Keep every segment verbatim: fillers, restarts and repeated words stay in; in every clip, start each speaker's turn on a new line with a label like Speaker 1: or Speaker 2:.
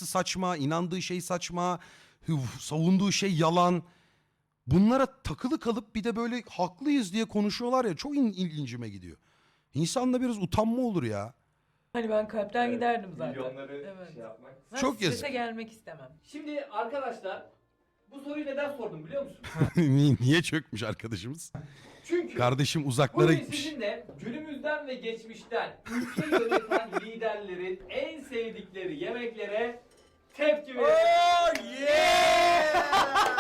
Speaker 1: yapısı saçma, inandığı şey saçma, hıv- savunduğu şey yalan. Bunlara takılı kalıp bir de böyle haklıyız diye konuşuyorlar ya, çok in- ilgincime gidiyor. İnsanda biraz utanma olur ya.
Speaker 2: Hani ben kalpten
Speaker 3: Evet,
Speaker 2: giderdim zaten.
Speaker 3: Milyonları
Speaker 2: Evet.
Speaker 3: şey yapmak.
Speaker 2: Ben
Speaker 1: Çok
Speaker 2: strese
Speaker 1: yazık.
Speaker 2: gelmek istemem.
Speaker 3: Şimdi arkadaşlar bu soruyu neden sordum biliyor musun?
Speaker 1: Niye niye çökmüş arkadaşımız?
Speaker 3: Çünkü
Speaker 1: Kardeşim uzaklara
Speaker 3: bugün
Speaker 1: gitmiş.
Speaker 3: sizinle günümüzden ve geçmişten ülke yöneten liderlerin en sevdikleri yemeklere tepki vereceğiz.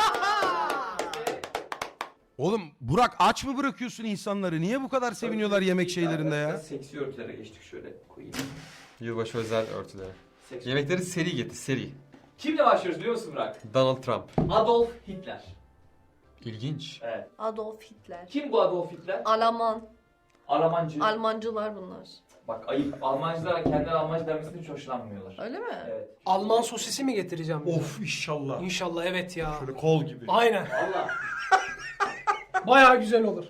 Speaker 1: Oğlum Burak, aç mı bırakıyorsun insanları? Niye bu kadar seviniyorlar yemek şeylerinde ya?
Speaker 3: Seksi örtülere geçtik, şöyle koyayım.
Speaker 4: Yılbaşı özel örtüleri.
Speaker 3: Seksi.
Speaker 4: Yemekleri seri getir, seri.
Speaker 3: Kimle başlıyoruz biliyor musun Burak?
Speaker 4: Donald Trump.
Speaker 3: Adolf Hitler.
Speaker 4: İlginç.
Speaker 3: Evet.
Speaker 5: Adolf Hitler.
Speaker 3: Kim bu Adolf Hitler?
Speaker 5: Alman.
Speaker 3: Almancı.
Speaker 5: Almancılar bunlar.
Speaker 3: Bak ayıp. Almancılar kendileri Almancı denmesinden hiç hoşlanmıyorlar.
Speaker 5: Öyle mi?
Speaker 3: Evet.
Speaker 6: Alman sosisi mi getireceğim? bize?
Speaker 7: Of inşallah.
Speaker 6: İnşallah evet ya.
Speaker 7: Şöyle kol gibi.
Speaker 6: Aynen.
Speaker 3: Valla.
Speaker 6: Bayağı güzel olur.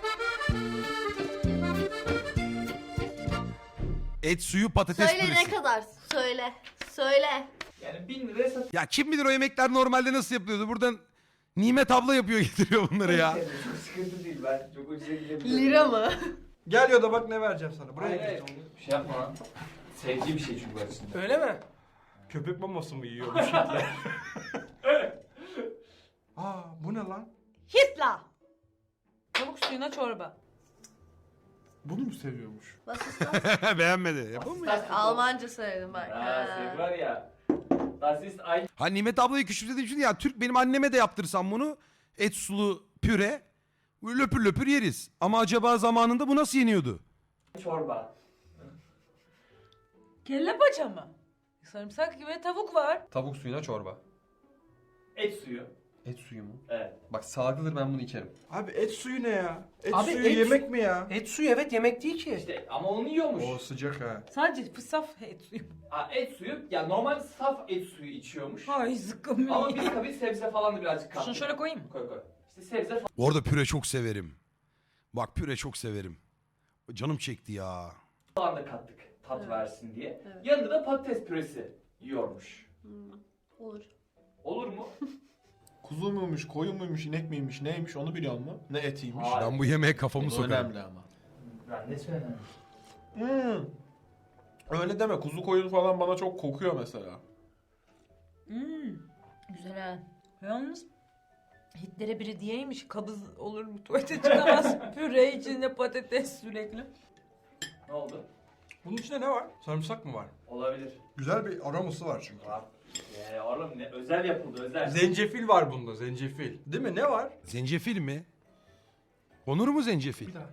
Speaker 1: Et suyu, patates
Speaker 5: Söyle
Speaker 1: püresi.
Speaker 5: ne kadar? Söyle. Söyle.
Speaker 3: Yani bin liraya satıyor.
Speaker 1: Ya kim bilir o yemekler normalde nasıl yapıyordu? Buradan Nimet abla yapıyor, getiriyor bunları ya.
Speaker 3: Çok sıkıntı değil, ben çok ucuza gidebiliyorum.
Speaker 5: Lira mı?
Speaker 7: Gel ya da bak ne vereceğim sana. Buraya
Speaker 3: Hayır hayır,
Speaker 7: git.
Speaker 3: onu şey yapma lan. Sevdiği bir şey çünkü var içinde.
Speaker 6: Öyle mi?
Speaker 7: Köpek maması mı yiyormuş Hitler? Aa bu ne lan?
Speaker 5: Hitler.
Speaker 2: Tavuk suyuna çorba.
Speaker 7: Bunu mu seviyormuş?
Speaker 5: Was ist das?
Speaker 1: Beğenmedi. Yapalım mı ya?
Speaker 3: Das ist
Speaker 5: Almanca söyledim bak.
Speaker 3: Ha,
Speaker 5: Ha.
Speaker 3: sen var ya. Das ist ein...
Speaker 1: Ha Nimet ablayı küçümsediğim için ya, Türk benim anneme de yaptırsam bunu, et sulu püre, löpür löpür yeriz. Ama acaba zamanında bu nasıl yeniyordu?
Speaker 3: çorba.
Speaker 2: Kelle paça mı? Sarımsak gibi tavuk var.
Speaker 4: Tavuk suyuna çorba.
Speaker 3: Et suyu.
Speaker 4: Et suyu mu?
Speaker 3: Evet.
Speaker 4: Bak sağlıklıdır, ben bunu içerim.
Speaker 7: Abi et suyu ne ya? Et
Speaker 6: Abi
Speaker 7: suyu
Speaker 6: et-
Speaker 7: yemek mi ya?
Speaker 6: Et suyu evet yemek değil ki.
Speaker 3: İşte ama onu yiyormuş.
Speaker 7: O sıcak ha.
Speaker 2: Sadece fısaf et suyu.
Speaker 3: Ha, et suyu, ya normal saf et suyu içiyormuş.
Speaker 2: Ay zıkkım.
Speaker 3: Ama biz tabii sebze falan da birazcık kattık.
Speaker 2: Şunu şöyle koyayım mı?
Speaker 3: Koy koy. İşte sebze
Speaker 1: Orada püre çok severim. Bak püre çok severim. Canım çekti ya.
Speaker 3: falan da kattık tat
Speaker 5: Evet.
Speaker 3: versin diye.
Speaker 5: Evet.
Speaker 3: Yanında da patates püresi yiyormuş.
Speaker 5: Hmm, olur.
Speaker 3: Olur mu?
Speaker 8: Kuzu muymuş, koyun muymuş, inek miymiş, neymiş onu biliyor musun? Ne etiymiş?
Speaker 3: Hayır.
Speaker 1: Ben bu yemeğe kafamı
Speaker 8: Bu
Speaker 1: sokarım.
Speaker 8: önemli ama.
Speaker 3: Ben ne söylemem.
Speaker 8: Hmm. Öyle deme, kuzu koyun falan bana çok kokuyor mesela.
Speaker 2: Hmm, güzel ha. Yalnız Hitler'e biri diyeymiş, kabız olur mu, tuvalete çıkamaz. Püre içinde patates sürekli.
Speaker 3: Ne oldu?
Speaker 7: Bunun içinde ne var? Sarımsak mı var?
Speaker 3: Olabilir.
Speaker 7: Güzel bir aroması var çünkü.
Speaker 3: Var. Ee, oğlum ne özel yapıldı özel.
Speaker 7: Zencefil var bunda, zencefil. Değil mi? Ne var?
Speaker 1: Zencefil mi? Konur mu zencefil?
Speaker 7: Bir daha.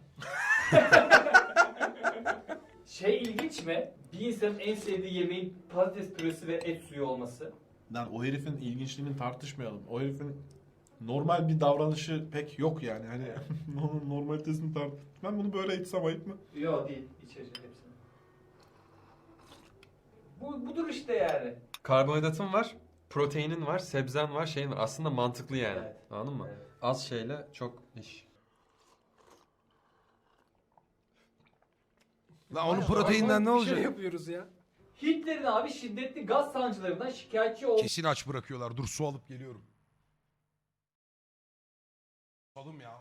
Speaker 3: Şey ilginç mi? Bir insanın en sevdiği yemeğin patates püresi ve et suyu olması.
Speaker 8: Lan o herifin ilginçliğini tartışmayalım. O herifin normal bir davranışı pek yok yani. Hani onun normalitesini tart. Ben bunu böyle içsem ayıp mı?
Speaker 3: Yok değil. İçecek hepsini. Bu, budur işte yani.
Speaker 4: Karbonhidratın var, proteinin var, sebzen var, şeyin var. Aslında mantıklı yani.
Speaker 3: Evet.
Speaker 4: Anladın mı?
Speaker 3: Evet.
Speaker 4: Az şeyle çok iş.
Speaker 1: Lan onun
Speaker 6: Bayağı
Speaker 1: proteinden ne
Speaker 6: bir şey
Speaker 1: olacak?
Speaker 6: yapıyoruz ya.
Speaker 3: Hitler'in abi şiddetli gaz sancılarından şikayetçi olduğu
Speaker 1: Kesin aç bırakıyorlar. Dur su alıp geliyorum. Oğlum ya.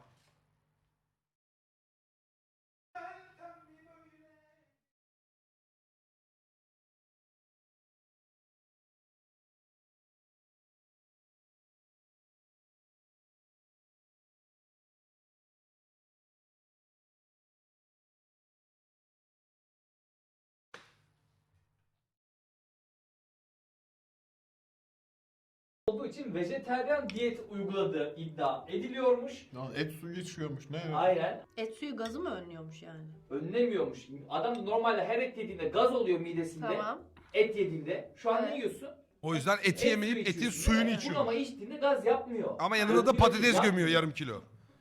Speaker 3: olduğu için vejeteryan diyet uyguladığı iddia ediliyormuş.
Speaker 8: Lan et suyu içiyormuş. Ne?
Speaker 3: Aynen.
Speaker 5: Et suyu gazı mı önlüyormuş yani?
Speaker 3: Önlemiyormuş. Adam normalde her et yediğinde gaz oluyor midesinde.
Speaker 5: Tamam.
Speaker 3: Et yediğinde. Şu an ne
Speaker 5: Evet.
Speaker 3: yiyorsun?
Speaker 1: O yüzden eti
Speaker 3: Et
Speaker 1: yemeyip
Speaker 3: suyu
Speaker 1: etin
Speaker 3: içiyorsun.
Speaker 1: suyunu
Speaker 3: Evet.
Speaker 1: içiyor.
Speaker 3: Bunu ama içtiğinde gaz yapmıyor.
Speaker 1: Ama yanında da
Speaker 3: Öldürüyor,
Speaker 1: patates
Speaker 3: yapmıyor.
Speaker 1: gömüyor yarım kilo.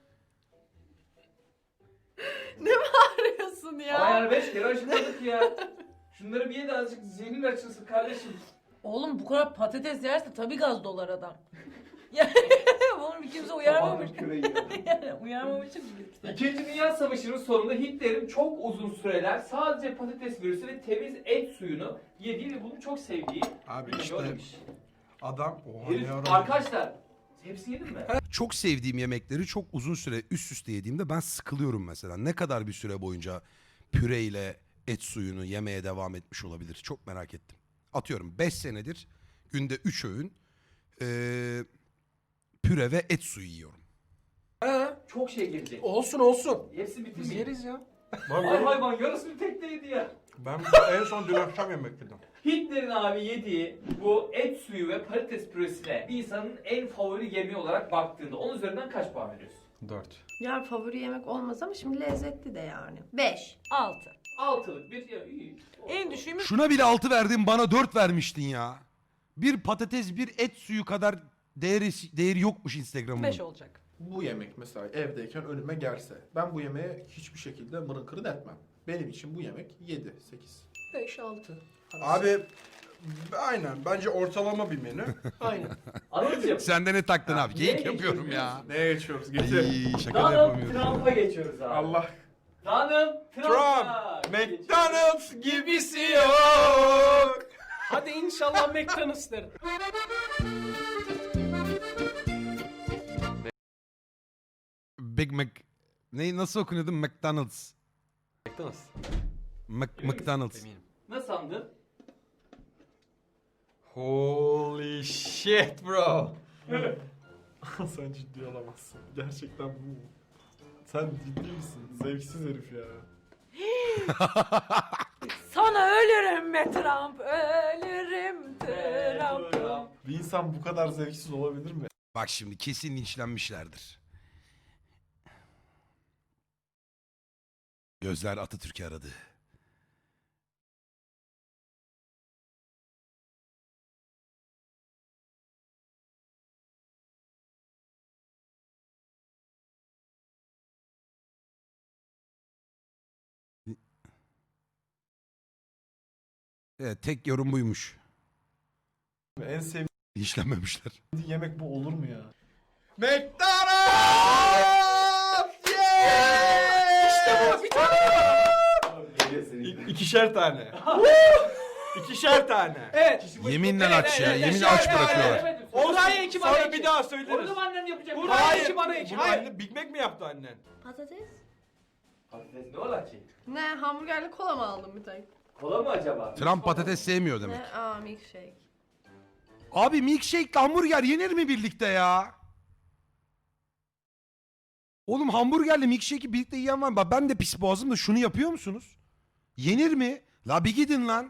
Speaker 5: Arıyorsun ya.
Speaker 3: Ama yani beş kere aşıladık ya. Şunları bir ye de azıcık zihnin açılsın kardeşim.
Speaker 2: Oğlum bu kadar patates yerse tabii gaz dolar adam. Yani bunu Onu bir kimse uyarmamış.
Speaker 3: Sabahın küreği yiyor.
Speaker 2: Yani uyarmamış ki kimse.
Speaker 3: İkinci Dünya Savaşı'nın sonunda Hitler'in çok uzun süreler sadece patates püresi ve temiz et suyunu yediği ve bunu çok sevdiği
Speaker 7: Abi
Speaker 3: bir
Speaker 7: işte
Speaker 3: görmüş.
Speaker 7: adam oha
Speaker 3: Herif,
Speaker 7: ne ara-
Speaker 3: arkadaşlar hepsini yedin mi?
Speaker 1: Çok sevdiğim yemekleri çok uzun süre üst üste yediğimde ben sıkılıyorum mesela. Ne kadar bir süre boyunca püreyle et suyunu yemeye devam etmiş olabilir? Çok merak ettim. Atıyorum beş senedir günde üç öğün eee, püre ve et suyu yiyorum.
Speaker 6: Ha,
Speaker 3: Çok şey gelecek.
Speaker 6: olsun olsun.
Speaker 3: Hepsini
Speaker 6: Biz
Speaker 3: bitirmeyin.
Speaker 6: yeriz ya.
Speaker 3: Ay
Speaker 7: Ben,
Speaker 3: hayvan yarısını tekte yedi ya.
Speaker 7: ben en son dün akşam yemek yedim.
Speaker 3: Hitler'in abi yediği bu et suyu ve patates püresine bir insanın en favori yemeği olarak baktığında onun üzerinden kaç puan veriyorsun?
Speaker 4: dört.
Speaker 5: Yani favori yemek olmaz ama şimdi lezzetli de yani. Beş.
Speaker 2: Altı.
Speaker 3: Altılık bir ya iyi.
Speaker 2: En düşüğümüz
Speaker 1: Şuna bile altı verdin, bana dört vermiştin ya. Bir patates bir et suyu kadar değeri, değeri yokmuş Instagram'ın.
Speaker 2: beş olacak.
Speaker 8: Bu yemek mesela evdeyken önüme gelse ben bu yemeğe hiçbir şekilde mırın kırın etmem. Benim için bu yemek yedi sekiz.
Speaker 6: Beş, altı.
Speaker 7: Abi aynen bence ortalama bir menü.
Speaker 6: Aynen.
Speaker 3: Anladın
Speaker 1: Sen de ne taktın abi?
Speaker 3: Niye
Speaker 1: Geyik yapıyorum
Speaker 3: geçiyoruz
Speaker 1: ya.
Speaker 8: Neye geçiyoruz? Getir.
Speaker 1: Ay, şaka da
Speaker 3: Donald
Speaker 1: yapamıyorum.
Speaker 3: Trump'a geçiyoruz abi.
Speaker 8: Allah.
Speaker 3: Donald Trump'a
Speaker 7: Trump,
Speaker 3: geçiyoruz.
Speaker 7: McDonald's gibisi yok.
Speaker 6: Hadi inşallah McDonald's derim.
Speaker 1: Big Mac... Ne, nasıl okunuyordu? McDonald's.
Speaker 4: McDonald's.
Speaker 1: Mac,
Speaker 3: Emin misin?
Speaker 1: McDonald's.
Speaker 4: Eminim.
Speaker 3: Nasıl sandın?
Speaker 4: Holy shit bro.
Speaker 8: Sen ciddi olamazsın. Gerçekten bu mu? Sen ciddi misin? Zevksiz herif ya.
Speaker 2: Sana ölürüm be Trump, ölürüm Trump.
Speaker 8: Bir insan bu kadar zevksiz olabilir mi?
Speaker 1: Bak şimdi kesin linçlenmişlerdir. Gözler Atatürk'ü aradı. Evet, tek yorum buymuş.
Speaker 8: En sevdiğim
Speaker 1: Linçlenmemişler.
Speaker 8: yemek bu olur mu ya?
Speaker 7: McDonald's! Yeah!
Speaker 6: İşte bu bir tane.
Speaker 7: İ- İkişer tane. İkişer tane.
Speaker 6: Evet.
Speaker 1: Yeminle
Speaker 6: Evet,
Speaker 1: aç ya.
Speaker 6: evet,
Speaker 1: Yemin
Speaker 6: evet,
Speaker 1: aç
Speaker 6: evet,
Speaker 1: bırakıyorlar.
Speaker 3: Evet,
Speaker 6: Buraya iki bana
Speaker 7: Sonra
Speaker 6: iki.
Speaker 7: bir daha
Speaker 3: Onu
Speaker 7: söyleriz.
Speaker 3: da annem yapacak.
Speaker 6: Buraya
Speaker 7: Hayır.
Speaker 6: iki bana iki.
Speaker 7: Bunu
Speaker 6: Hayır.
Speaker 7: anne Big Mac mi yaptı annen?
Speaker 5: Patates?
Speaker 3: Patates ne ola ki?
Speaker 5: Ne hamburgerli kola mı aldın bir tek?
Speaker 3: Kola mı acaba?
Speaker 1: Trump patates sevmiyor demek.
Speaker 5: Ne? Aa milkshake.
Speaker 1: Abi milkshake ile hamburger yenir mi birlikte ya? Oğlum hamburgerle milkshake'i birlikte yiyen var mı? Bak ben de pis boğazım da şunu yapıyor musunuz? Yenir mi? La bir gidin lan.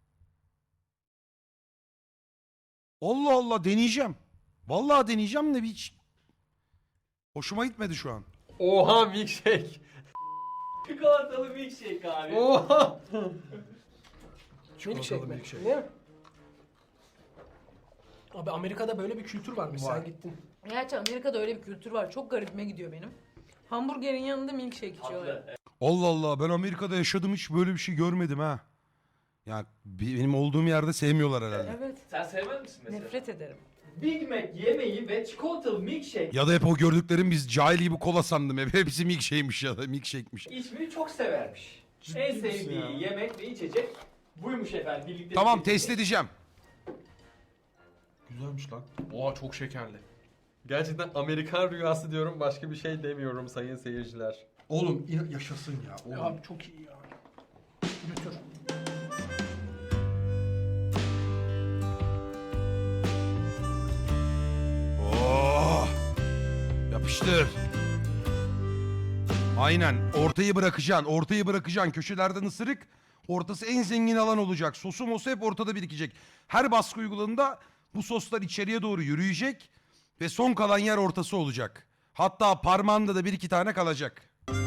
Speaker 1: Allah Allah deneyeceğim. Vallahi deneyeceğim de hiç hoşuma gitmedi şu an.
Speaker 4: Oha milkshake.
Speaker 3: Çikolatalı milkshake abi.
Speaker 4: Oha.
Speaker 6: Milkshake mi?
Speaker 7: milkshake.
Speaker 6: Değil mi? Abi Amerika'da böyle bir kültür varmış.
Speaker 7: Var.
Speaker 6: Sen gittin.
Speaker 2: Gerçi Amerika'da öyle bir kültür var. Çok garibime gidiyor benim. Hamburgerin yanında milkshake içiyorlar.
Speaker 3: Tatlı.
Speaker 1: Allah Allah ben Amerika'da yaşadım hiç böyle bir şey görmedim ha. Ya bi- benim olduğum yerde sevmiyorlar herhalde.
Speaker 2: Evet.
Speaker 3: Sen sevmez misin mesela?
Speaker 2: Nefret ederim.
Speaker 3: Big Mac yemeği ve çikolatalı milkshake
Speaker 1: Ya da hep o gördüklerim biz cahil gibi kola sandım hep. Hepsi milkshake'miş ya da milkshake'miş.
Speaker 3: içmeyi çok severmiş.
Speaker 8: Ciddi
Speaker 3: en
Speaker 8: misin
Speaker 3: sevdiği
Speaker 8: ya?
Speaker 3: yemek ve içecek buymuş efendim. Birlikte
Speaker 1: Tamam
Speaker 3: tükettiği.
Speaker 1: test edeceğim.
Speaker 8: Güzelmiş lan. Oha çok şekerli.
Speaker 4: Gerçekten Amerikan rüyası diyorum, başka bir şey demiyorum sayın seyirciler.
Speaker 7: Oğlum in- yaşasın ya.
Speaker 6: Ya
Speaker 7: Oğlum.
Speaker 6: abi çok iyi ya. Götür.
Speaker 1: Oh! Yapıştır. Aynen. Ortayı bırakacaksın. Ortayı bırakacaksın. Köşelerden ısırık. Ortası en zengin alan olacak. Sosu mosu hep ortada birikecek. Her baskı uyguladığında bu soslar içeriye doğru yürüyecek. Ve son kalan yer ortası olacak. Hatta parmağında da bir iki tane kalacak.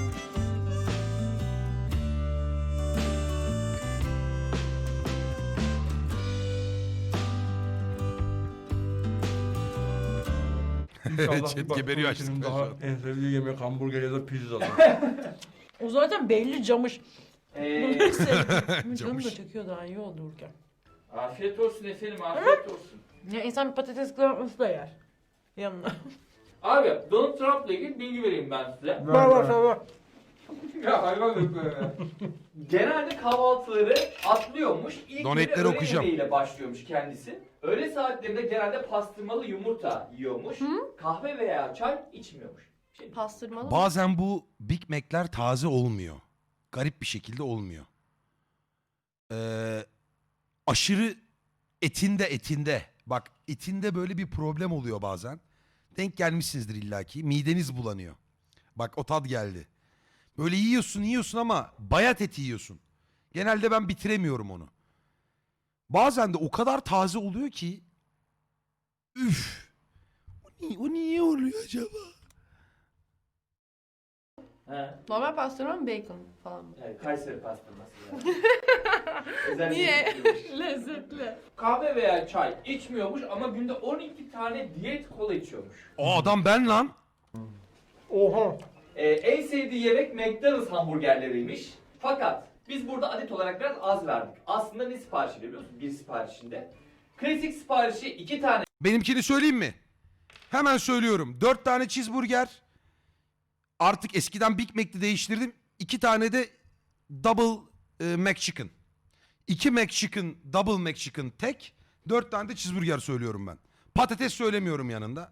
Speaker 7: İnşallah
Speaker 1: Chat
Speaker 7: bir bak,
Speaker 1: geberiyor
Speaker 7: bu ülkenin
Speaker 1: açlıktan
Speaker 7: daha
Speaker 1: şu an.
Speaker 7: en sevdiği yemek hamburger ya da pizza.
Speaker 2: O zaten belli camış.
Speaker 3: Ee,
Speaker 2: Bunları sevdim. Canım da
Speaker 1: Camış.
Speaker 2: çekiyor daha iyi oldu Urken.
Speaker 3: afiyet olsun efendim afiyet olsun.
Speaker 2: Ya insan bir patates kızartması da yer. Yanına.
Speaker 3: Abi Donald Trump'la ilgili bilgi vereyim ben size.
Speaker 7: Ver ver ver.
Speaker 3: Ya hayvan yok böyle. Genelde kahvaltıları atlıyormuş. İlk
Speaker 1: Donetleri
Speaker 3: güne öğle
Speaker 1: okuyacağım.
Speaker 3: yemeğiyle başlıyormuş kendisi. Öğle saatlerinde genelde pastırmalı yumurta yiyormuş. Kahve veya çay içmiyormuş. Şey,
Speaker 5: Pastırmalı mı?
Speaker 1: Bazen bu Big Mac'ler taze olmuyor. Garip bir şekilde olmuyor. Ee, aşırı etinde etinde. Bak etinde böyle bir problem oluyor bazen. Denk gelmişsinizdir illaki. Mideniz bulanıyor. Bak o tat geldi. Böyle yiyorsun yiyorsun ama bayat eti yiyorsun. Genelde ben bitiremiyorum onu. Bazen de o kadar taze oluyor ki. Üf. O niye, o niye oluyor acaba?
Speaker 3: he.
Speaker 5: Normal pastırma mı bacon falan mı?
Speaker 3: Yani Kayseri pastırması yani. Özellikle
Speaker 5: Niye?
Speaker 3: içmiyormuş.
Speaker 5: Lezzetli.
Speaker 3: Kahve veya çay içmiyormuş ama günde on iki tane diyet kola içiyormuş.
Speaker 1: O adam ben lan.
Speaker 7: Oha.
Speaker 3: Ee, en sevdiği yemek McDonald's hamburgerleriymiş. Fakat biz burada adet olarak biraz az verdik. Aslında ne siparişi biliyor musun? Bir siparişinde. Klasik siparişi iki tane
Speaker 1: Benimkini söyleyeyim mi? Hemen söylüyorum. Dört tane cheeseburger. Artık eskiden Big Mac'ti değiştirdim. İki tane de double e, McChicken. İki McChicken, double McChicken tek. Dört tane de cheeseburger söylüyorum ben. Patates söylemiyorum yanında.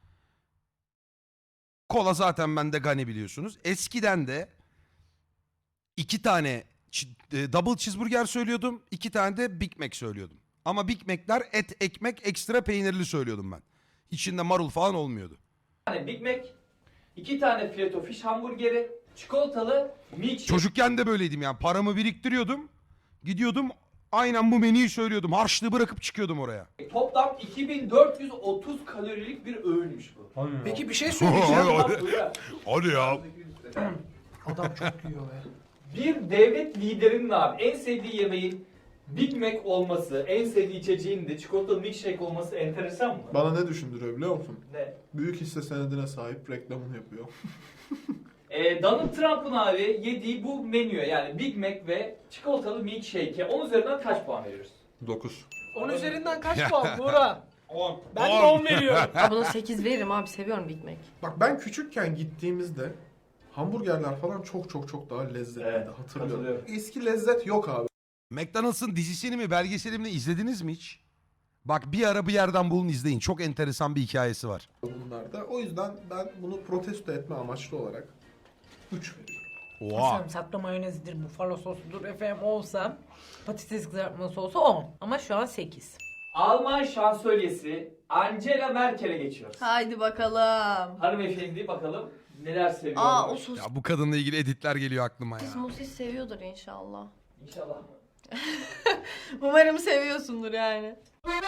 Speaker 1: Kola zaten bende gani biliyorsunuz. Eskiden de iki tane ç- e, double cheeseburger söylüyordum. İki tane de Big Mac söylüyordum. Ama Big Mac'ler et, ekmek, ekstra peynirli söylüyordum ben. İçinde marul falan olmuyordu.
Speaker 3: Big Mac, iki tane fileto fish hamburgeri, çikolatalı milkshake.
Speaker 1: Çocukken de böyleydim yani. Paramı biriktiriyordum. Gidiyordum aynen bu menüyü söylüyordum. Harçlığı bırakıp çıkıyordum oraya.
Speaker 3: Toplam iki bin dört yüz otuz kalorilik bir öğünmüş bu.
Speaker 6: Peki bir şey söyleyeceğim.
Speaker 1: Hadi.
Speaker 3: Burada
Speaker 1: Hadi ya.
Speaker 6: Adam çok yiyor be.
Speaker 3: bir devlet liderinin abi en sevdiği yemeğin Big Mac olması, en sevdiği içeceğin de çikolatalı milkshake olması enteresan mı?
Speaker 8: Bana ne düşündürüyor biliyor musun?
Speaker 3: Ne?
Speaker 8: Büyük hisse senedine sahip reklamını yapıyor.
Speaker 3: Ee, Donald Trump'ın abi yediği bu menüye yani Big Mac ve çikolatalı milkshake'e on üzerinden kaç puan veriyoruz?
Speaker 8: dokuz.
Speaker 6: on üzerinden kaç puan Buğra?
Speaker 7: on.
Speaker 6: Ben de
Speaker 1: On.
Speaker 6: on veriyorum.
Speaker 5: Aa, buna sekiz veririm abi, seviyorum Big Mac.
Speaker 8: Bak ben küçükken gittiğimizde hamburgerler falan çok çok çok daha lezzetliydi,
Speaker 3: Evet,
Speaker 8: hatırlıyorum.
Speaker 3: hatırlıyorum.
Speaker 8: Eski lezzet yok abi.
Speaker 1: McDonald's'ın dizisini mi belgeselini mi izlediniz mi hiç? Bak bir ara bir yerden bulun izleyin. Çok enteresan bir hikayesi var.
Speaker 8: Bunlarda. O yüzden ben bunu protesto etme amaçlı olarak üç veriyorum.
Speaker 1: Oha.
Speaker 2: Sarımsaklı mayonezidir, bufalo sosudur efendim olsa. Patates kızartması olsa on. Ama şu an sekiz.
Speaker 3: Alman şansölyesi Angela Merkel'e geçiyoruz.
Speaker 5: Haydi bakalım.
Speaker 3: Hanımefendi bakalım neler seviyor.
Speaker 5: Aa o sos.
Speaker 1: Ya bu kadınla ilgili editler geliyor aklıma ya.
Speaker 5: Kız musis seviyordur inşallah.
Speaker 3: İnşallah.
Speaker 5: Umarım seviyorsundur yani.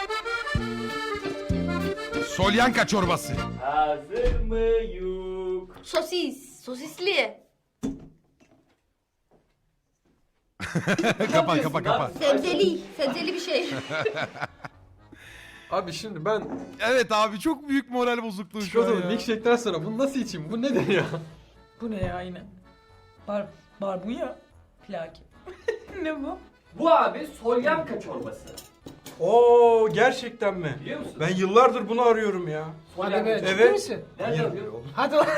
Speaker 1: Solyanka çorbası.
Speaker 3: Hazır mıyuk?
Speaker 5: Sosis. Sosisli.
Speaker 1: Kapa kapa kapa.
Speaker 5: Sebzeli. Sebzeli bir şey.
Speaker 4: Abi şimdi ben
Speaker 1: Evet abi çok büyük moral bozukluğu şu an
Speaker 4: çikolatalı
Speaker 1: ya.
Speaker 4: milkshake'den sonra bunu nasıl içeyim? Bu nedir ya?
Speaker 2: Bu ne ya yine? Bar, barbunya. Plaki. Ne bu?
Speaker 3: Bu abi solyanka çorbası.
Speaker 7: Oo gerçekten mi?
Speaker 3: Biliyor musun?
Speaker 7: Ben yıllardır bunu arıyorum ya.
Speaker 3: Solyanka
Speaker 6: Hadi be,
Speaker 3: çorbası.
Speaker 6: ciddi
Speaker 7: Evet.
Speaker 6: misin?
Speaker 3: Nerede yapıyor?
Speaker 6: Hadi lan.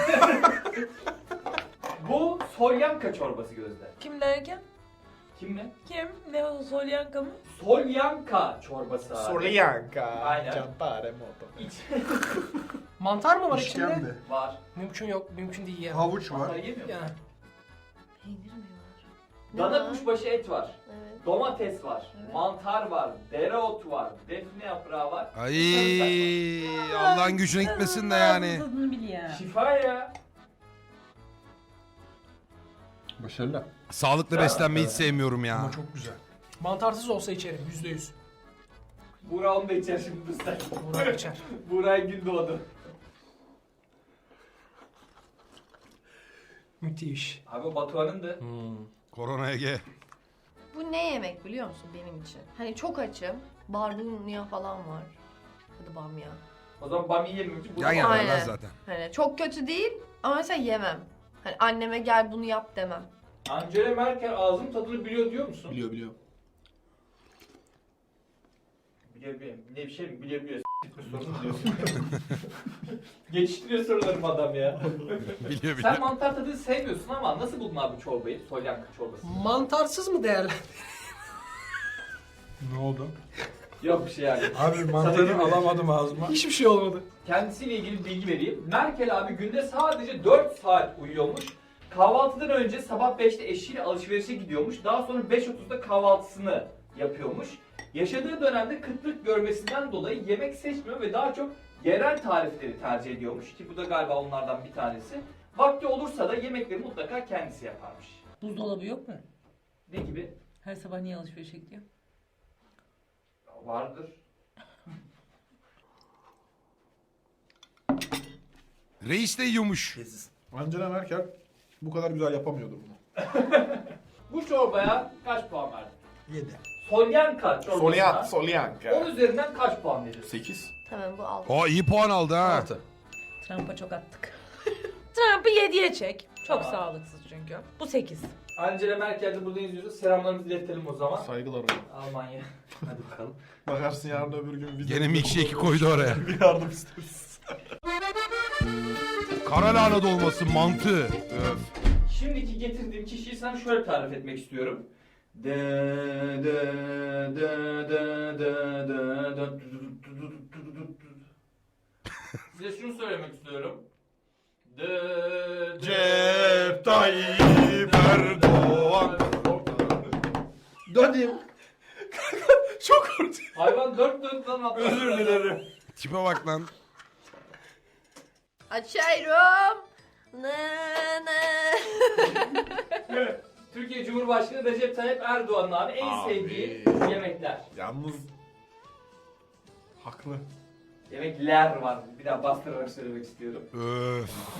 Speaker 3: Bu solyanka çorbası Gözde.
Speaker 2: Kim derken?
Speaker 3: Kim mi?
Speaker 2: Kim? Ne o solyanka mı?
Speaker 3: Solyanka çorbası abi.
Speaker 7: Solyanka.
Speaker 3: Aynen.
Speaker 8: Campare moto.
Speaker 3: İç
Speaker 6: Mantar mı var içinde?
Speaker 8: İşkembe.
Speaker 3: var.
Speaker 6: Mümkün yok, mümkün değil ya.
Speaker 7: Havuç
Speaker 3: Mantar
Speaker 7: var.
Speaker 3: yemiyor musun?
Speaker 6: Yani.
Speaker 5: Peynir mi var? Ne
Speaker 3: Dana
Speaker 5: var?
Speaker 3: kuşbaşı et var.
Speaker 5: Evet.
Speaker 3: Domates var.
Speaker 5: Evet.
Speaker 3: Mantar var. Dereotu var. Defne yaprağı var.
Speaker 1: Ay Allah'ın gücüne gitmesin de yani.
Speaker 2: Tadını bil ya.
Speaker 3: Şifa ya.
Speaker 4: Başarılı.
Speaker 1: Sağlıklı beslenmeyi hiç sevmiyorum ya.
Speaker 7: Ama çok güzel.
Speaker 6: Mantarsız olsa içerim, yüzde yüz.
Speaker 3: Buğra onu da içer şimdi bu sen.
Speaker 6: Buğra içer.
Speaker 3: Buğra'ya gün doğdu.
Speaker 6: Müthiş.
Speaker 3: Abi Batuhan'ın da
Speaker 4: Hmm.
Speaker 1: Korona Ege.
Speaker 5: Bu ne yemek biliyor musun benim için? Hani çok açım. Barbunya falan var. Hadi bamya.
Speaker 3: o zaman bamya yememek için
Speaker 1: Yan
Speaker 3: bunu
Speaker 1: yana
Speaker 5: Aynen.
Speaker 1: zaten.
Speaker 5: Hani çok kötü değil ama mesela yemem. Hani anneme gel bunu yap demem.
Speaker 3: Angela Merkel ağzın tadını biliyor diyor musun?
Speaker 8: Biliyor biliyor.
Speaker 3: Biliyor biliyor. Ne bir şey mi? Biliyor biliyor. Geçiştiriyor sorularım adam ya.
Speaker 1: Biliyor biliyor.
Speaker 3: Sen mantar tadını sevmiyorsun ama nasıl buldun abi bu çorbayı? Solyanka çorbası.
Speaker 6: Mantarsız mı değerli?
Speaker 8: Ne oldu?
Speaker 3: Yok bir şey yani.
Speaker 7: Abi mantarı alamadım ağzıma.
Speaker 6: Hiçbir şey olmadı.
Speaker 3: Kendisiyle ilgili bilgi vereyim. Merkel abi günde sadece dört saat uyuyormuş. Kahvaltıdan önce sabah beşte eşiyle alışverişe gidiyormuş. Daha sonra beş otuzda kahvaltısını yapıyormuş. Yaşadığı dönemde kıtlık görmesinden dolayı yemek seçmiyor ve daha çok yerel tarifleri tercih ediyormuş. Ki bu da galiba onlardan bir tanesi. Vakti olursa da yemekleri mutlaka kendisi yaparmış.
Speaker 2: Buzdolabı yok mu?
Speaker 3: Ne gibi?
Speaker 2: Her sabah niye alışverişe gidiyor?
Speaker 3: Vardır.
Speaker 1: Reis de yiyormuş.
Speaker 8: Angela Merkel bu kadar güzel yapamıyordu bunu.
Speaker 3: Bu çorbaya kaç puan verdin?
Speaker 7: Yedi.
Speaker 3: Solyanka çorbasına
Speaker 8: Solyanka.
Speaker 3: on üzerinden kaç puan verirsin?
Speaker 8: sekiz.
Speaker 5: Tamam bu al.
Speaker 1: O iyi puan aldı ha.
Speaker 4: Altı.
Speaker 2: Trump'a çok attık. Trump'ı yediye çek. Çok
Speaker 3: Tamam.
Speaker 2: sağlıksız çünkü. Bu sekiz.
Speaker 3: Angela Merkel de burada izliyorsa selamlarımızı iletelim o zaman.
Speaker 8: Saygılar hocam.
Speaker 3: Almanya. Hadi bakalım.
Speaker 8: Bakarsın yarın öbür gün vize...
Speaker 1: Gene milkshake'i koydu oraya.
Speaker 8: Bir yardım isteriz.
Speaker 1: Kara lahana dolması, mantı. Öf.
Speaker 3: Şimdiki getirdiğim kişiyi sana şöyle tarif etmek istiyorum. De de de de de de de Size şunu söylemek istiyorum. De de
Speaker 8: Recep Tayyip Erdoğan.
Speaker 7: Döneyim.
Speaker 8: Çok korktum.
Speaker 3: Hayvan dört dörtten atladı.
Speaker 8: Özür dilerim.
Speaker 1: Tipe bak lan.
Speaker 5: Açıyorum. Ne ne.
Speaker 3: Türkiye Cumhurbaşkanı Recep Tayyip Erdoğan'ın abi en
Speaker 8: Abi.
Speaker 3: sevdiği yemekler.
Speaker 8: Yalnız... Haklı.
Speaker 3: Yemekler var. Bir daha bastırarak söylemek istiyorum.
Speaker 1: Öf.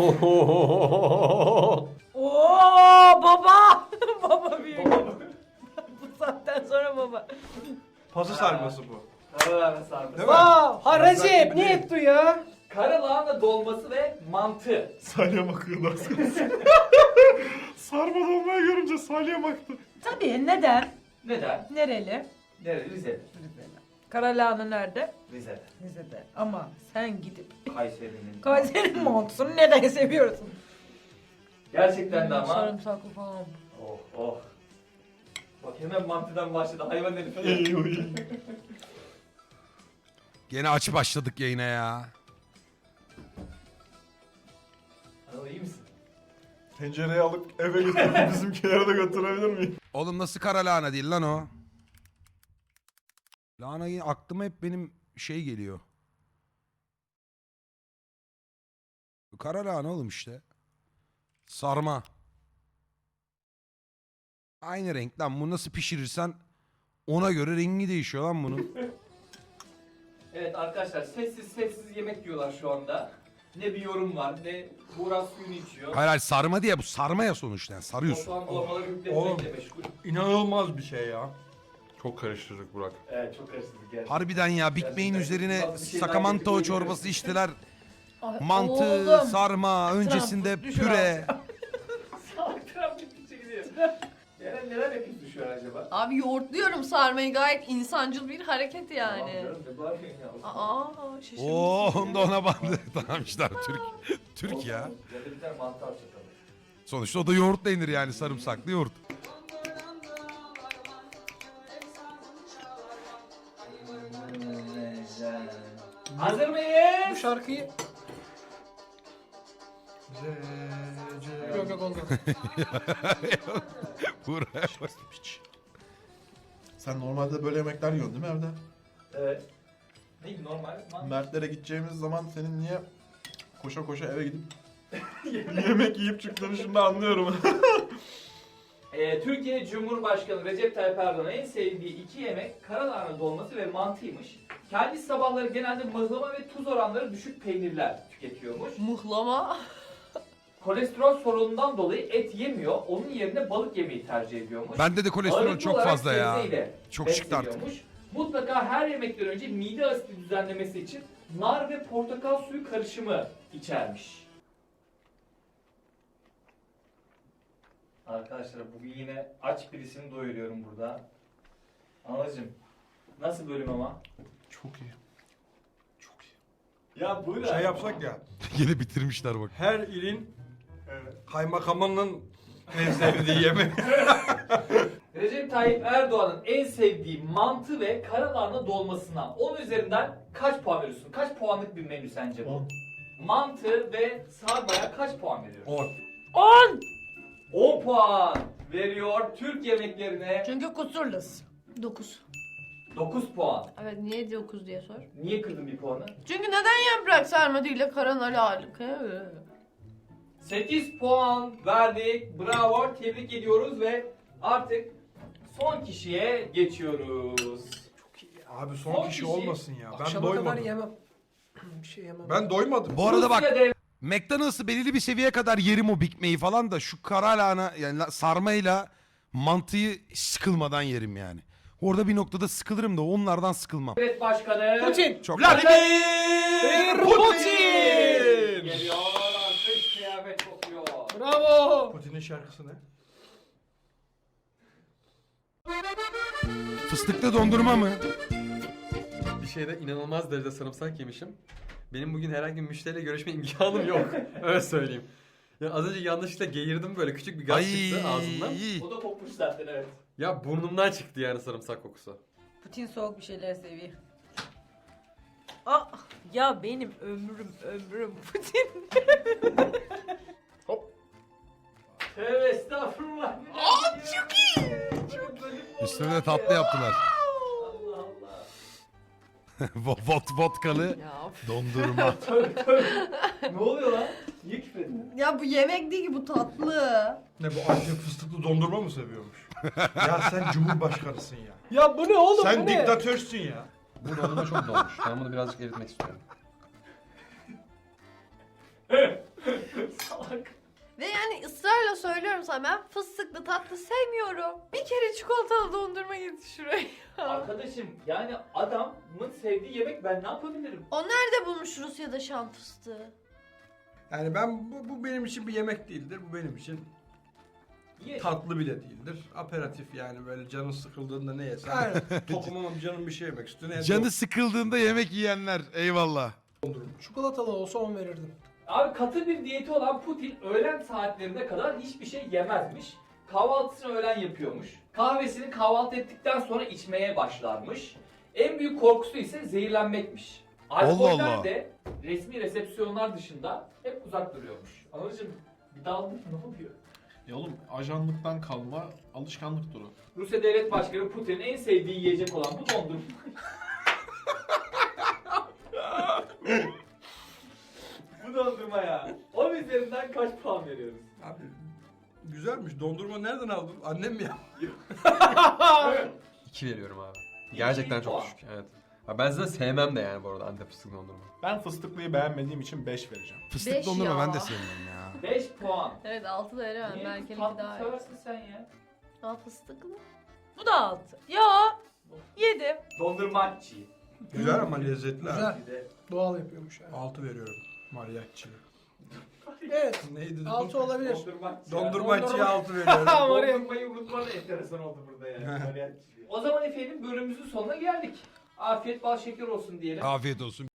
Speaker 2: Oo baba. Baba büyük. Bu saatten sonra baba.
Speaker 7: Pası sarması bu.
Speaker 3: Karalahana sarması.
Speaker 7: Değil mi?
Speaker 6: Aa, ha Recep ne etti ya?
Speaker 3: Karalahana dolması ve mantı.
Speaker 8: Salya bakıyordu az kalsın. Sarma dolmayı görünce salya baktı.
Speaker 2: Tabii neden?
Speaker 3: Neden?
Speaker 2: Nereli?
Speaker 3: Nerede? Rize'de.
Speaker 2: Rize'de. Karalahana nerede?
Speaker 3: Rize'de.
Speaker 2: Rize'de. Ama sen gidip
Speaker 3: Kayseri'nin.
Speaker 2: Kayseri montunu neden seviyorsun?
Speaker 3: Gerçekten de ama.
Speaker 2: Sarımsaklı falan.
Speaker 3: Oh oh. Bak hemen mantıdan başladı. Hayvan herif.
Speaker 8: İyi iyi.
Speaker 1: Gene aç başladık yayına ya.
Speaker 3: Anıl iyi misin?
Speaker 8: Tencereyi alıp eve götürüp bizimkilere de götürebilir miyim?
Speaker 1: Oğlum nasıl kara lahana değil lan o? Lahana yine aklıma hep benim şey geliyor. Kara lahana oğlum işte. Sarma. Aynı renk lan. Bunu nasıl pişirirsen ona göre rengi değişiyor lan bunun.
Speaker 3: Evet arkadaşlar sessiz sessiz yemek yiyorlar şu anda. Ne bir yorum var ne Buğra suyunu içiyor.
Speaker 1: Hayır hayır sarma diye bu sarma ya sonuçta yani sarıyorsun.
Speaker 3: Batuhan dolmaları
Speaker 7: Oğlum.
Speaker 3: yükletmekle meşgul.
Speaker 7: İnanılmaz bir şey ya.
Speaker 4: Çok karıştırdık Burak.
Speaker 3: Evet çok karıştırdık gerçekten.
Speaker 1: Harbiden ya Big Bang'in
Speaker 3: Gerçekten.
Speaker 1: üzerine
Speaker 3: Bazı şeyler
Speaker 1: sakamanto
Speaker 3: getirip
Speaker 1: çorbası içtiler.
Speaker 2: Ay,
Speaker 1: Mantı,
Speaker 2: oğlum.
Speaker 1: sarma, öncesinde
Speaker 2: Trump, düşür
Speaker 1: püre.
Speaker 3: Salak Trump gittikçe gidiyor. Eren neler yapıyorsun şu an acaba?
Speaker 5: Abi yoğurtluyorum sarmayı, gayet insancıl bir hareket yani.
Speaker 3: Tamam canım, ne bağırıyorsun ya?
Speaker 5: Aa şaşırmışsın.
Speaker 1: Oo onda ona bandı. Tamam işte abi, Türk. Türk ya.
Speaker 3: Ya da bir tane mantar çatalım.
Speaker 1: Sonuçta o da yoğurtla yenir yani sarımsaklı yoğurt.
Speaker 3: Hazır
Speaker 6: Bu
Speaker 3: mıyız?
Speaker 6: şarkıyı... Yok yok oldu.
Speaker 1: Buraya bak.
Speaker 8: Sen normalde böyle yemekler yiyorsun değil mi evde?
Speaker 3: Evet. Ne normal? Man-
Speaker 8: Mertlere gideceğimiz zaman senin niye koşa koşa eve gidip yemek yiyip çıktığını şimdi anlıyorum.
Speaker 3: Ee, Türkiye Cumhurbaşkanı Recep Tayyip Erdoğan'ın en sevdiği iki yemek karalahana dolması ve mantıymış. Kendisi sabahları genelde mıhlama ve tuz oranları düşük peynirler tüketiyormuş.
Speaker 5: Muhlama.
Speaker 3: Kolesterol sorunundan dolayı et yemiyor, onun yerine balık yemeyi tercih ediyormuş.
Speaker 1: Bende de kolesterol
Speaker 3: Ağırlıklı
Speaker 1: çok
Speaker 3: olarak
Speaker 1: fazla ya.
Speaker 3: sebzeyle
Speaker 1: Çok çıktı artık.
Speaker 3: besleniyormuş. Mutlaka her yemekten önce mide asidi düzenlemesi için nar ve portakal suyu karışımı içermiş. Arkadaşlar bugün yine aç birisini doyuruyorum burada. Anacığım nasıl bölüm ama?
Speaker 8: Çok iyi. Çok
Speaker 3: Ya bu ne?
Speaker 7: Şey yapsak ya.
Speaker 1: Yine bitirmişler bak.
Speaker 7: Her ilin kaymakamının en sevdiği yemek.
Speaker 3: Recep Tayyip Erdoğan'ın en sevdiği mantı ve karalahana dolmasına on üzerinden kaç puan veriyorsun? Kaç puanlık bir menü sence bu?
Speaker 8: on.
Speaker 3: Mantı ve sarbaya kaç puan veriyorsun?
Speaker 7: on.
Speaker 2: on.
Speaker 3: on puan veriyor Türk yemeklerine.
Speaker 2: Çünkü kusurluz.
Speaker 5: dokuz.
Speaker 3: dokuz puan.
Speaker 5: Evet niye dokuz diye sor.
Speaker 3: Niye kırdın bir puanı?
Speaker 5: Çünkü neden yaprak sarma değil de karanal ağırlık?
Speaker 3: sekiz puan verdik. Bravo. Tebrik ediyoruz ve artık son kişiye geçiyoruz.
Speaker 7: Abi son,
Speaker 3: Son
Speaker 7: kişi
Speaker 3: kişi.
Speaker 7: olmasın ya. Ben
Speaker 6: Akşama kadar
Speaker 7: doymadım.
Speaker 6: yemem. Bir şey yemem.
Speaker 7: Ben doymadım.
Speaker 1: Bu arada bak
Speaker 3: Rusya dev-
Speaker 1: McDonald's'ı belirli bir seviyeye kadar yerim o Big Mac'i falan da şu kara lahana yani la- sarmayla mantıyı sıkılmadan yerim yani. Orada bir noktada sıkılırım da onlardan sıkılmam.
Speaker 3: Devlet Başkanı
Speaker 6: Putin.
Speaker 1: Çok
Speaker 7: Vladimir Putin!
Speaker 3: geliyor. Kış kıyafet kokuyor.
Speaker 6: Bravo.
Speaker 7: Putin'in şarkısı ne?
Speaker 1: Fıstıklı dondurma mı?
Speaker 4: Bir şeyde inanılmaz derecede sarımsak yemişim. Benim bugün herhangi bir müşteriyle görüşme imkanım yok. Öyle söyleyeyim. Ya az önce yanlışlıkla geğirdim böyle küçük bir gaz çıktı ağzımdan.
Speaker 3: O da kokmuş zaten evet.
Speaker 4: Ya burnumdan çıktı yani sarımsak kokusu.
Speaker 2: Putin soğuk bir şeyler seviyor. Ah, ya benim ömrüm ömrüm Putin.
Speaker 3: Tövbe estağfurullah. Aa çok iyi. Çok böyle
Speaker 1: Üstüne de tatlı yaptılar.
Speaker 3: Allah Allah.
Speaker 1: Vot, vot vodkalı
Speaker 5: Ya,
Speaker 1: dondurma.
Speaker 3: Tövbe tövbe. Ne oluyor lan? Niye küfür ettin?
Speaker 5: ya bu yemek değil ki bu tatlı.
Speaker 7: Ne bu Antep fıstıklı dondurma mı seviyormuş? Ya sen cumhurbaşkanısın ya.
Speaker 6: Ya bu ne oğlum
Speaker 7: Sen
Speaker 6: bu ne?
Speaker 7: diktatörsün ya.
Speaker 4: Bu dondurma çok dolmuş. Ben bunu birazcık eritmek istiyorum.
Speaker 3: Salak.
Speaker 5: Ve yani ısrarla söylüyorum sana ben fıstıklı tatlı sevmiyorum. Bir kere çikolatalı dondurma getir şuraya.
Speaker 3: Arkadaşım yani adamın sevdiği yemek ben ne yapabilirim?
Speaker 5: O nerede bulmuş Rusya'da şam fıstığı?
Speaker 7: Yani ben bu, bu benim için bir yemek değildir. Bu benim için
Speaker 3: Ye.
Speaker 7: tatlı bile değildir. Aperatif yani böyle canın sıkıldığında ne yesen.
Speaker 6: Aynen.
Speaker 7: Tokum ama canım bir şey yemek istiyor. Ne
Speaker 1: Canı sıkıldığında yemek yiyenler eyvallah.
Speaker 6: Çikolatalı olsa on verirdim.
Speaker 3: Abi katı bir diyeti olan Putin öğlen saatlerine kadar hiçbir şey yemezmiş. Kahvaltısını öğlen yapıyormuş. Kahvesini kahvaltı ettikten sonra içmeye başlarmış. En büyük korkusu ise zehirlenmekmiş. Alkoller
Speaker 1: Allah Allah.
Speaker 3: de resmi resepsiyonlar dışında hep uzak duruyormuş. Anladın bir daldın ne oluyor?
Speaker 8: Ya oğlum ajanlıktan kalma alışkanlık duru.
Speaker 3: Rusya Devlet Başkanı Putin'in en sevdiği yiyecek olan bu dondurma. Bu dondurma ya. on üzerinden kaç puan veriyoruz?
Speaker 7: Abi güzelmiş. Dondurma nereden aldın? Annem mi yaptı?
Speaker 4: İki veriyorum abi. Gerçekten
Speaker 3: İki
Speaker 4: çok
Speaker 3: puan.
Speaker 4: düşük. Evet. Ha, ben zaten sevmem de yani bu arada Antep fıstıklı dondurma.
Speaker 8: Ben fıstıklıyı beğenmediğim için beş vereceğim.
Speaker 1: Fıstık
Speaker 5: Beş
Speaker 1: dondurma
Speaker 5: ya.
Speaker 1: ben de sevmiyorum ya.
Speaker 3: beş puan.
Speaker 5: Evet altı da veremem.
Speaker 3: Niye
Speaker 5: Belki iki
Speaker 3: tatlı
Speaker 5: daha iyi.
Speaker 3: seversin sen ya?
Speaker 5: Aa fıstıklı.
Speaker 2: Bu da altı. Ya yedim.
Speaker 3: Dondurmaçı.
Speaker 7: Güzel ama lezzetli.
Speaker 6: Güzel.
Speaker 7: ha.
Speaker 3: Bir de
Speaker 6: Doğal yapıyormuş yani.
Speaker 7: Altı veriyorum. Mariachi.
Speaker 6: Evet.
Speaker 7: Neydi?
Speaker 6: Altı olabilir.
Speaker 3: dondurmaçı.
Speaker 7: Dondurmacıya
Speaker 6: Dondurma.
Speaker 7: altı veriyorum.
Speaker 6: Maria-
Speaker 3: Dondurmayı unutman da enteresan oldu burada yani. Mariachi. O zaman efendim bölümümüzün sonuna geldik. Afiyet bal şeker olsun diyelim.
Speaker 1: Afiyet olsun.